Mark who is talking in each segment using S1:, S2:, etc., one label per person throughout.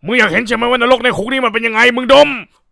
S1: มึงอยากเห็นใช่ไหมว่านรกในคุกนี่มันเป็นยังไงมึงดม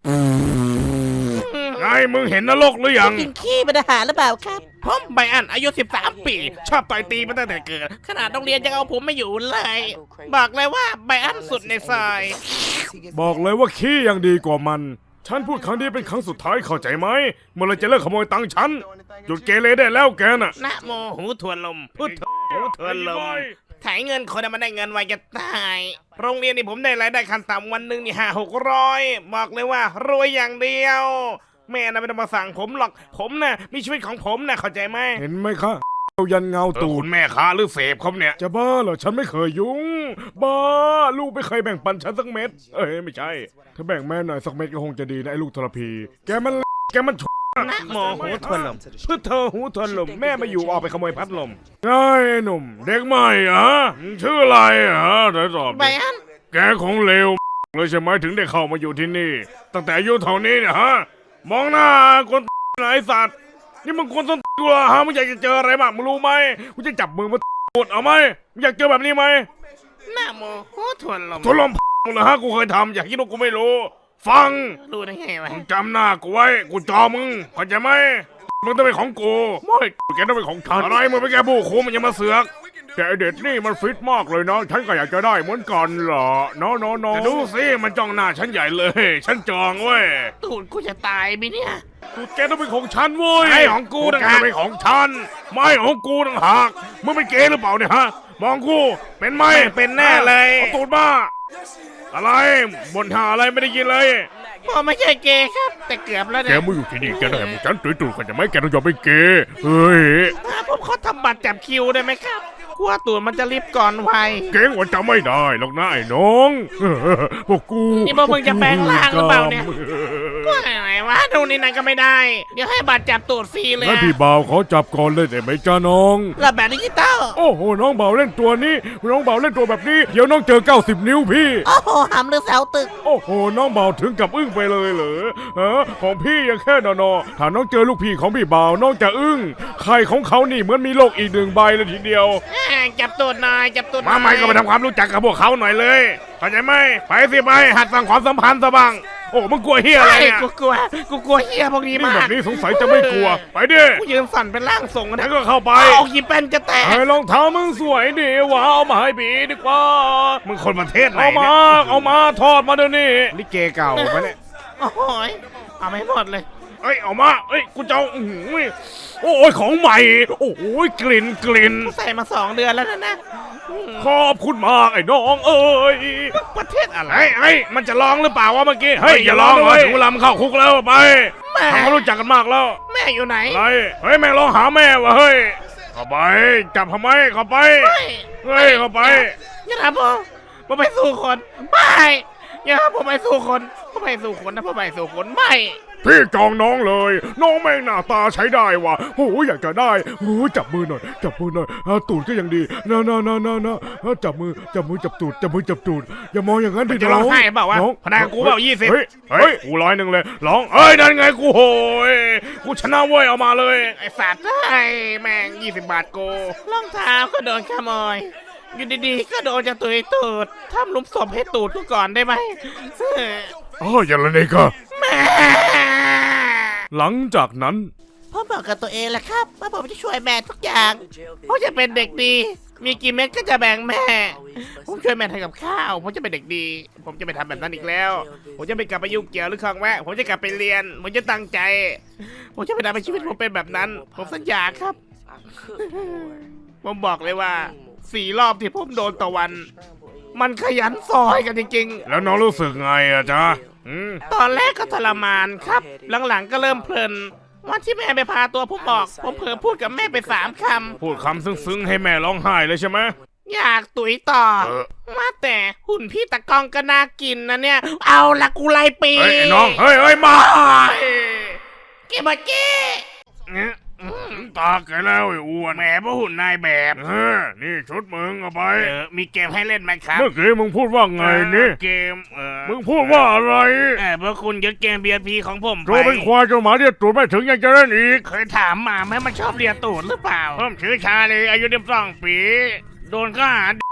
S1: ไงมึงเห็นนรกหรือยัง
S2: กินขี้เป็นอาหารหรือเปล่าครับ
S3: ผมไบอันอายุ13 ปีชอบต่อยตีมาตั้งแต่เกิดขนาดโรงเรียนยังเอาผมไม่อยู่เลยบอกเลยว่าไบอันสุดในซอย
S1: บอกเลยว่าขี้ยังดีกว่ามันฉันพูดครั้งนี้เป็นครั้งสุดท้ายเข้าใจไหมเมื่อไรจะเลิกขโมยตังค์ฉันหยุดเกเรได้แล้วแกน่ะ
S3: นะโมหูทวนลมพุทโธหูทวนลมถ่ายเงินคนมันได้เงินไวจะตายโรงเรียนนี่ผมได้รายได้ขั้นต่ำวันหนึ่งนี่500-600บอกเลยว่ารวยอย่างเดียวแม่น่ะไม่ต้องมาสั่งผมหรอกผมน่ะมีชีวิตของผมน่ะเข้าใจไหม
S1: เห็นไหมคะยันเงาตูดแม่ค้าหรือเสพครับเนี่ยจะบ้าเหรอฉันไม่เคยยุ่งบ้าลูกไม่เคยแบ่งปันฉันสักเม็ดไม่ใช่ถ้าแบ่งแม่หน่อยสักเม็ดก็คงจะดีนะไอ้ลูกทรพีแกมัน
S3: นะโมหูทวนลมพุทโธหูทวนลมแม่ไม่อยู่ออกไปขโมยพัดลม
S1: ไงหนุ่มเด็กใหม่มึงชื่ออะไรเดี๋ยวตอบ
S3: ไบอัน
S1: แกของเลวเลยใช่ไหมถึงได้เข้ามาอยู่ที่นี่ตั้งแต่อายุเท่านี้เนี่ยมองหน้าคนไหนสัตว์นี่มึงคนต้นตัวมึงอยากจะเจออะไรบ้างมึงรู้ไหมกูจะจับมือมาปวดเอาไหมมึงอยากเจอแบบนี้ไหม
S3: นะโมหูทวนลม
S1: ทดลองมึงเหรอกูเคยทำอยากคิดว่ากูไม่รู้ฟัง
S3: รู้ได้ไงวะ
S1: มึงจำหน้ากูไว้กูจอมึงเข้าใจไหมมึงต้องเป็นของกูไม่แกต้องเป็นของฉันอะไรมึงไปแกบู้คูมันยังมาเสือกแต่เด็ดนี่มันฟิตมากเลยนะฉันก็อยากจะได้เหมือนกันเหรอน้องดูสิมันจ้องหน้าฉันใหญ่เลยฉันจองเว้ย
S3: ตูดกูจะตายไหมเนี่ย
S1: ตูดแกต้องเป็นของฉันเว้ยไม่ของกูต่างหากเป็นของฉันไม่ของกูต่างหากมึงเป็นเกย์หรือเปล่าเนี่ยมองกูเป็นไหม
S3: เป็นแน่เลย
S1: เอาตูดมาอะไรบ่นหาอะไรไม่ได้ยินเลย
S3: ผมไม่ใช่เกย์ครับ แต่เกือบแล้ว
S1: แก
S3: เนี่ย
S1: ไม่อยู่ที่นี่แกได้มึงฉันตุยๆกันจะไม่แกต้องยอมเป็นเกย์เฮ้ย
S3: ผมขอทำบัตรจับคิวได้ไหมครับกลัวตูดมันจะรีบก่อนวัย
S1: เก่งกว่าจะไม่ได้หรอกนะไอ้น้อง พวกกู
S3: นี่พวกมึงจะแปลงร่างหรือเปล่าเนี่ย ว่าไงวะดูนี่นั่นก็ไม่ได้ เดี๋ยวให้บัตรจับตูดฟรีเลย
S1: งั้นพี่บ่าวขอจับก่อนเลยได้ไหมจ้าน้อง
S3: ระแบบดิจิตอล
S1: โอ้โหน้องบ่าวเล่นตัวนี้น้องบ่าวเล่นตัวแบบนี้เดี๋ยวน้องเจอ90 นิ้วพี่
S2: โอ้โหหำหรือเสาตึก
S1: โอ้โหน้องบ่าวถึงกับอึ้งไปเลยเหรอของพี่ยังแค่นอถ้าน้องเจอลูกพี่ของพี่บ่าวน้องจะอึ้งไข่ของเขานี่เหมือนมีโลกอีก1 ใบเลยทีเดียว
S3: จับตูดหน่อยจับตูดหน่
S1: มา
S3: อย
S1: ใหม่ก็ไปทำความรู้จักกับพวกเขาหน่อยเลยเข้าใจไหมไปสิไปหัดสร้างความสัมพันธ์ซะบ้างโอ้มึงกลัวเฮียอะไรเนี่ย
S3: กูกลัวเฮียพวกนี้
S1: นี่
S3: มา
S1: แบ
S3: ก
S1: บนี้สงสัยจะไม่กลัวไปดิ
S3: กูยืนสั่นเป็นร่างทรง
S1: แล้
S3: นะ
S1: วก็เข้าไป
S3: เอากี่เป็นจะแตก
S1: ไอ้รองเท้ามึงสวยดีว่ะเอามาให้บีดีกว่า
S3: มึงคนประเทศไหน
S1: เอามาทอดมาเดี๋ยวนี้ลิเกเก่าไปเนี่ย
S3: โอ้ยเอาไม่หมดเลย
S1: เอ้ยเอามาเอ้ยกูจะเอาโอ้ยของใหม่โอ้ยกลิ่น
S3: ใส่มา2 เดือนแล้วนะ
S1: ขอบคุณมากไอ้น้องเอ้ย
S3: ประเทศอะไร
S1: ไอ้มันจะร้องหรือเปล่าวะเมื่อกี้เฮ้ยอย่าร้องเลยถึงเวลามันเข้าคุกแล้วไป
S3: แม่
S1: ทำความรู้จักกันมากแล้ว
S3: แม่อยู่ไหน
S1: อะไรเฮ้ยแม่งร้องหาแม่วะเฮ้ยเข้าไปจับทำไมเข้าไปเฮ้ยเข้าไป
S3: อย่าทำผมไปสู่คนไม่อย่าทำผมไปสู่คนผมไปสู่คนนะผมไปสู่คนไม่
S1: พี่จองน้องเลยน้องแม่งหน้าตาใช้ได้ว่ะโอ้ยอยากจะได้โอ้ยจับมือหน่อยตูดก็ยังดีนะจับมือจับตูดอย่ามองอย่างนั้นดิ
S3: จะร้องไห้เปล่าวะ
S1: น้อง
S3: พนักกูเปล่า20
S1: เฮ้ยกู100เลยร้องนั่นไงกูโหยกูชนะเว้ยเอามาเลย
S3: ไอสัตว์ไอ้แม่ง20 บาทโกรองเท้าก็โดนขโมยอยู่ดีๆก็โดนจะตุยตูดทำหลุมศพให้ตูดกูก่อนได้ไหม
S1: อย่างไรก็
S3: แม่
S1: หลังจากนั้น
S2: ผมบอกกับตัวเองแหละครับว่าผมจะช่วยแม่ทุกอย่าง
S3: ผมจะเป็นเด็กดี มีกี่เม็ดก็จะแบ่งแม่ ผมช่วยแม่ทำกับข้าว ผมจะเป็นเด็กดี ผมจะไม่ทำแบบนั้นอีกแล้ว ผมจะไม่กลับไปยุ่งเกี่ยวหรือคลองแวะ ผมจะกลับไปเรียน ผมจะตั้งใจ ผมจะไม่ทำให้ชีวิตผมเป็นแบบนั้น ผมสัญญาครับ ผมบอกเลยว่า4 รอบที่ผมโดนต่อวัน มันขยันซอยกันจริงๆ
S1: แล้วน้องรู้สึกไงอะจ๊ะ
S3: ตอนแรกก็ทรมานครับ หลังๆก็เริ่มเพลิน วันที่แม่ไปพาตัวผมออก ผมเผลอพูดกับแม่ไป3 คำ
S1: พูดคำซึ้งๆให้แม่ร้องไห้เลยใช่ไหม
S3: อยากตุ๋ยต่อ มาแต่หุ่นพี่ตะกองก็น่ากินนะเนี่ย เอาละกูไล่ปี
S1: เฮ้ยไอ้น้องเฮ้ยมา
S3: เก็บมาเก้
S1: ตาแกแล้วไอ้อ้วน
S3: แหมพวกหุ่นนายแบบ
S1: นี่ชุดมึงเอาไป
S3: มีเกมให้เล่นไหมครับ
S1: เมื่อกี้มึงพูดว่าไงนี่
S3: เกม
S1: มึงพูดว่าอะไร
S3: พวกคุณยึดเกม BNP ของผมไป
S1: โจเป็นควายเจ้าหมาเรียกตูดไม่ถึงยังจะเล่นอีก
S3: เคยถามมาไหมมันชอบเรียนตูดหรือเปล่าผมชื่อชาลีอายุ12 ปี โดนข้อหา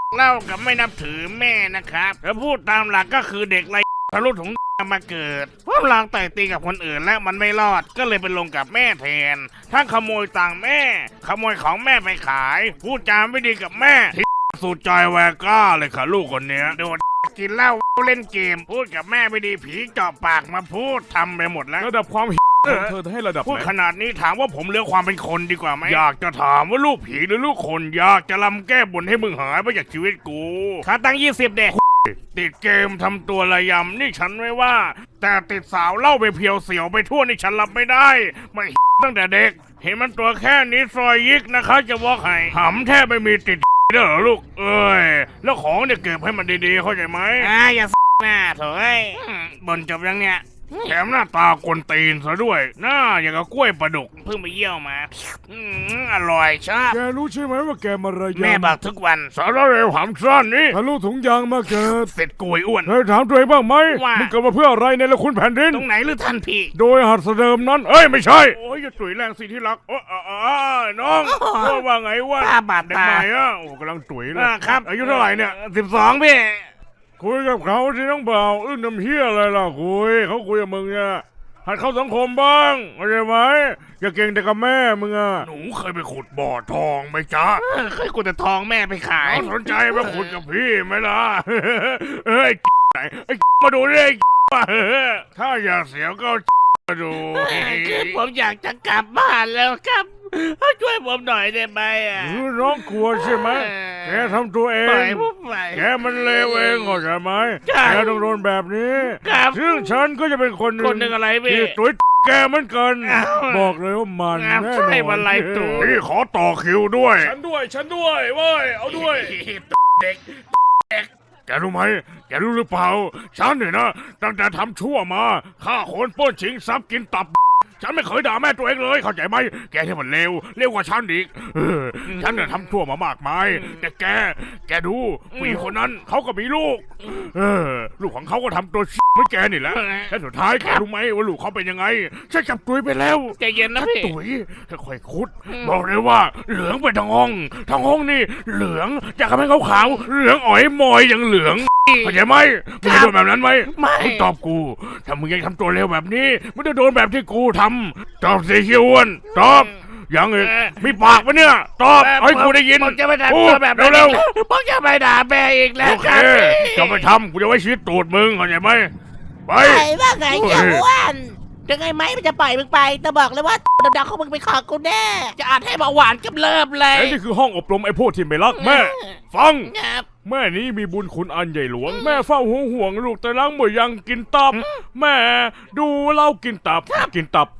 S3: เล่ากับไม่นับถือแม่นะครับถ้าพูดตามหลักก็คือเด็กไรทะลุถุงมาเกิดเพราะลางไต่ตีกับคนอื่นและมันไม่รอดก็เลยไปลงกับแม่แทนทั้งขโมยตังค์แม่ ขโมยของแม่ไปขาย พูดจาไม่ดีกับแม่ที่สุดใจแวก้าเลยค่ะลูกคนเนี้ยโดนกินเหล้าเล่นเกม พูดกับแม่ไม่ดีผีเจาะปากมาพูดทำไปหมดแล้ว
S1: ระดับความของเธอให้ระดับ
S3: พูด
S1: ไหน
S3: ขนาดนี้ถามว่าผมเลือกความเป็นคนดีกว่าไหมอยากจะถามว่าลูกผีหรือลูกคนอยากจะลำแก้บนให้มึงหายไปจากชีวิตกูค่าตังค์20เด็กติดเกมทำตัวระยำนี่ฉันไม่ว่า แต่ติดสาวเล่าไปเพียวเสียวไปทั่วนี่ฉันรับไม่ได้ไม่ตั้งแต่เด็ก เห็นมันตัวแค่นี้ซอยยิกนะคะจะว่าให้หำแทบไม่มีติดเด้อลูกเอ้ยแล้วของเนี่ยเก็บให้มันดีๆเข้าใจไหมอย่าหน้าเถอะบนจบยังเนี่ยแถมหน้าตากวนตีนซะด้วยหน้าอย่างกับกล้วยปลาดุกเพิ่งไปเยี่ยวมาอร่อยชอบ
S1: แกรู้ใช่ไหมว่าแกมาระยำ
S3: แม่บอกทุกวัน
S1: สารเร็วหำสั้นนี่ทะลุถุงยางมาเกิด
S3: เสร็จกุยอ้วน
S1: เธอถามตัวเองบ้างไหม
S3: ว่ามึ
S1: มึงเกิดมาเพื่ออะไรในละคุณแผ่นดิน
S3: ตรงไหนหรือท่านพี่
S1: โดยหัดเดิมนั้น เอ้ยไม่ใช่ โอ้ยอย่าตุ๋ยแรงสิที่รักโอ้น้องว่าไงวะ
S3: ป้าบาด
S1: เด็ก
S3: ตา
S1: ใหม่อะโอ้กำลังตุ๋ยเลย
S3: ครับ
S1: อายุเท่าไหร่เนี่ย
S3: 12พี่
S1: คุยกับเขาที่น้องเบาน้ำเฮียอะไรล่ะคุยเขาคุยกับมึงเนี่ยหัดเข้าสังคมบ้างเข้าใจไหมอย่าเก่งแต่กับแม่มึงอะหนูเคยไปขุดบ่อทองไหมจ๊ะ
S3: เคยกูจะทองแม่ไปขาย
S1: สนใจมาขุดกับพี่ไหมล่ะเฮ้ยไหนไอ้มาดูดิถ้าอยากเสียวก็มาดู
S3: คือผมอยากจะกลับบ้านแล้วครับช่วยผมหน่อยได้ไหมอ่ะ
S1: น้องกลัวใช่ไหมแกทำตัวเอ
S3: ปล่อย
S1: ง
S3: ผมไป
S1: แกมันเลวเองเข้าใจไหม
S3: ใช่
S1: แกต้องโดนแบบนี้
S3: ครับ
S1: ซึ่งฉันก็จะเป็นคนห
S3: คนหนึ่งอะไรพี่
S1: ที่ตุ๋ยแกเหมือนกัน
S3: อ้าว
S1: บอกเลยว่ามัน
S3: อ้าว
S1: แน่น
S3: ใช่
S1: อน
S3: มันไรตุ๋ย
S1: นี่ขอต่อคิวด้วย ฉันด้วยเว้ยเอาด้วย
S3: เด็ก
S1: แกรู้ไหมแกรู้หรือเปล่าฉันเนี่ยนะตั้งแต่ทำชั่วมาฆ่าคนปล้นชิงทรัพย์กินตับ ฉันไม่เคยด่าแม่ตัวเองเลยเข้าใจไหมแกที่มันเลวกว่าฉันอีกฉันเนี่ยทำชั่วมามากมายแต่แกดูผู้หญิงคนนั้นเขาก็มีลูกลูกของเขาก็ทำตัวเหมือนแกนี่แหละและสุดท้ายแกรู้ไหมว่าลูกเขาเป็นยังไงฉันจับตุ๋ยไปแล้ว
S3: ใจเย็นนะพี่
S1: ตุ๋ยค่อยๆคุดบอกเลยว่าเหลืองเป็นทั้งห้องนี่เหลืองจากทำให้ขาวๆเหลืองอ๋อยมอยอย่างเหลืองเข้าใจไหมมึงจะโดนแบบนั้นไหม
S3: ไม่
S1: มึงตอบกูถ้ามึงยังทำตัวเลวแบบนี้มึงจะโดนแบบที่กูทำตอบสิเฮียอ้วนตอบยังอีกมีปากปะเนี่ยตอบให้กูได้ยิน
S3: ผมจะไม่ทำ
S1: พู
S3: ตัว
S1: ด
S3: แบบนั้น
S1: เร็ว
S3: ผมจะไม่ด่าแม่อีก
S1: ๆ
S3: แล้ว
S1: โอเค
S3: ครับ
S1: จะไม่ทำกูจะไว้ชีวิตตูดมึงเข้าใจไหมไป
S2: ไอ้ว่าไงเจ้าอ้วนยังไงไหมมันจะปล่อยมึงไปแต่บอกเลยว่าดำๆของมึงเป็นของกูแน่ จะอ่านให้เบาหวานกับเลิฟเลย
S1: และนี่คือห้องอบรมไอ้พวกที่ไม่รักแม่ ฟัง
S2: ครับ
S1: แม่นี้มีบุญคุณอันใหญ่หลวง แม่เฝ้าห่วงลูกแต่ล้างมือยังกินตับ แม่ดูเรากินตับ กินตับ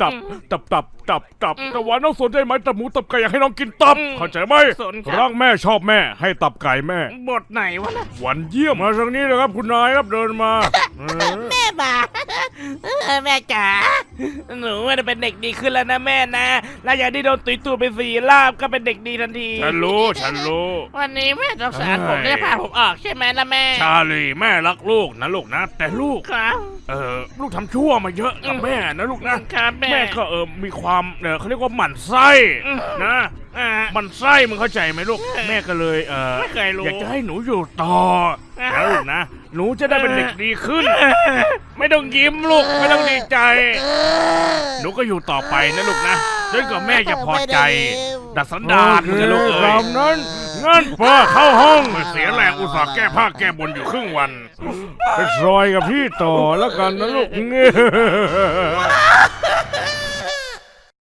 S1: แต่ว่าน้องสนใจไหมตับหมูตับไก่อยากให้น้องกินตับเข้าใจไหม
S3: สนครับ
S1: รักแม่ชอบแม่ให้ตับไก่แม่
S3: บทไหนวะนะ
S1: หวันเยี่ยมมาทางนี้เลยครับคุณนายครับเดินมา
S2: แม่มาแม่จ๋า
S3: หนูว่าจะเป็นเด็กดีขึ้นแล้วนะแม่นะแล้วอย่างที่โดนตุยตูดไป4 รอบก็เป็นเด็กดีทันที
S1: ฉันรู้
S2: วันนี้แม่ต้องสารผมได้พาผมออกใช่ไหมล่ะแม่
S1: ชาลีแม่รักลูกนะลูกนะ แต่ลูก
S2: ครับ
S1: ลูกทำชั่วมาเยอะกับแม่นะลูกนะ
S2: ครับแม่
S1: แม่ก็มีความเขาเรียกว่าหมั่นไส้นะหมั่นไส้มึงเข้าใจไหมลูกแม่ก็เลย
S3: ไม่เคยรู้
S1: อยากจะให้หนูอยู่ต่อแล้วลูกนะหนูจะได้เป็นเด็กดีขึ้น ไม่ต้องยิ้มลูกไม่ต้องดีใจ หนูก็อยู่ต่อไปนะลูกนะจนกว่าแม่จะพอใจ ดัดสันดานมึงจะลูกเอ้ยนั้นงั้นป้าเข้าห้องเสียแรงอุตส่าห์แก้ผ้าแก้บนอยู่ครึ่งวันไปซอยกับพี่ต่อแล้วกันนะลูก